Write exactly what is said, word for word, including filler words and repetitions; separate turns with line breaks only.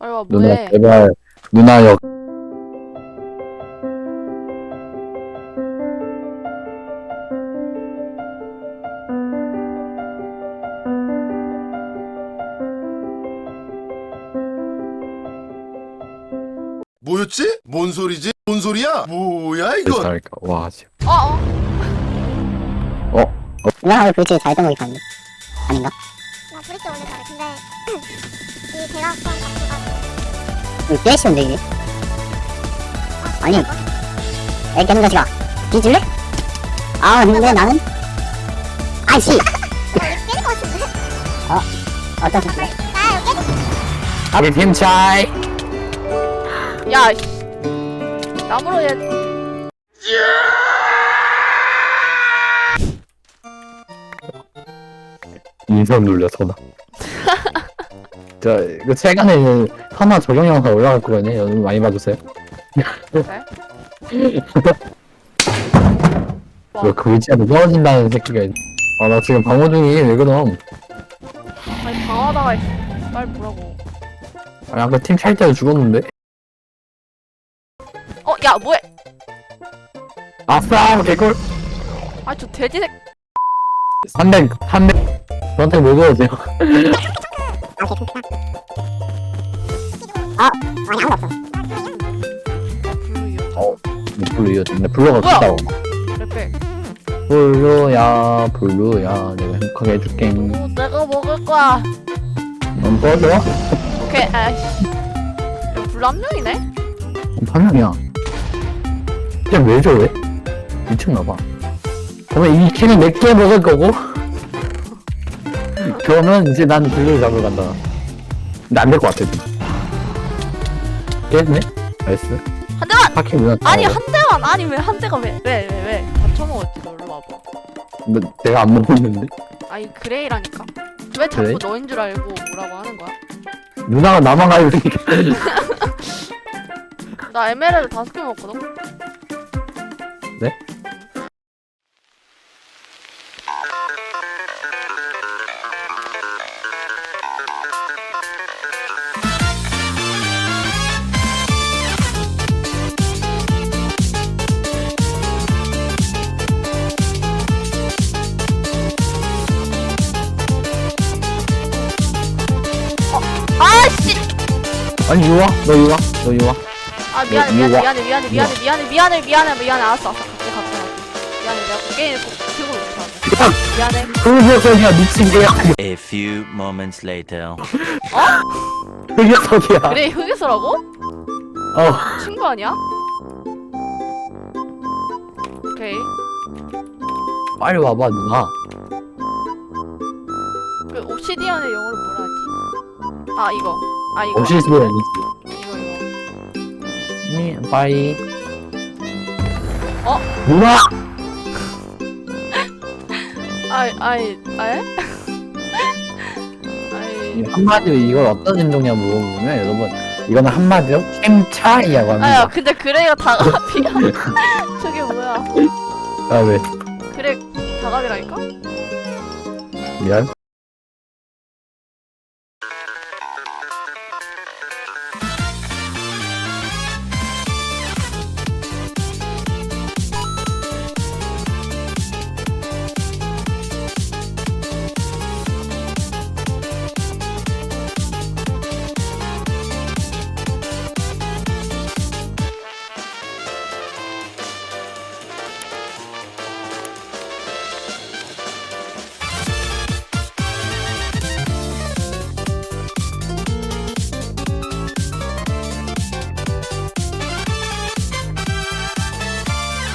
빨리 와
누나
뭐해?
제발 누나 역
뭐였지? 뭔 소리지? 뭔 소리야? 뭐야 이거?
잘할까 와 지금
어 어.
누나가 브릿지 잘했던 거기 봤는데 아닌가?
나 브릿지 원래 잘해. 근데 이 대각선 각도가
이거 꽤 쉬운데 이게 아니 애 깨는 자식아 뒤질래? 아 근데 나는 아이씨
깨질 것 같은데?
어떤 소리
나 여기 깨질
우리 팀 차이
야. 씨. 나무로 얘.
인선 눌려 전화 저 이거 최근에 하나 적용 영상 올라갈 거거든요 여러분 많이 봐주세요 왜 그 위치에서 떨어진다는 새끼가 있... 아나 지금 방어 중이 왜 그럼
아니 방하다가 빨리 보라고.
아 아까 팀 찰 때도 죽었는데
어 야 뭐해?
아싸 개꿀
아 저 돼지색.
삼백 삼백 저한테 뭐 줘야돼요
아 아니 아무도 없어
블루요.
블루 이어졌네 블루가
뭐야?
크다고
레벨.
블루야 블루야 내가 행복하게 해줄게
오 내가 먹을 거야.
넌 꺼져?
오케이 아이씨. 야, 블루 한 명이네?
한 명이야 그냥 왜 저래? 미쳤나봐 그러면 이 킬은 몇 개 먹을 거고 그러면 이제 난 블루를 잡으러 간다 근데 안 될 것 같아 깼네? 나이스
한 대만.
하키 누나
아니 한 대만. 아니 왜 한 대가 왜 왜 왜 왜? 다 쳐먹었지 너 일로 와봐.
너, 내가 안 먹었는데?
아니 그레이라니까. 왜 자꾸
그레이?
너인 줄 알고 뭐라고 하는 거야?
누나가 나만 가야 되니까
나 에메랄드 다섯 개 먹거든.
네?
아씨.
아니 이리 와, 너 이리 와, 너 이리 와.
아 미안해
이리
미안해
와.
미안해 미안해 미안해 미안해 미안해 미안해 미안해 알았어 알았어 갈게 갈게 갈게. 미안해 내가 게임 꼭 들고 있어. 미안해.
그 녀석이야 미친 개야.
A few moments later.
그 녀석이야.
그래 흑유소라고?
어,
친구 아니야? 오케이.
빨리 와봐 누나.
그 옵시디언의 영어로 뭐라 하지? 아 이거. 아 이거.
오실수는
이거 이거.
니 빠이.
어?
누나.
아이 아이 아이. 아이.
한마디로 이걸 어떤 행동이냐 물어보면 여러분 이거는 한마디로 캠차이라고
아야
합니다.
근데 그레이가 다갑이야. 저게 뭐야?
아 왜?
그래 다갑이라니까?
미안.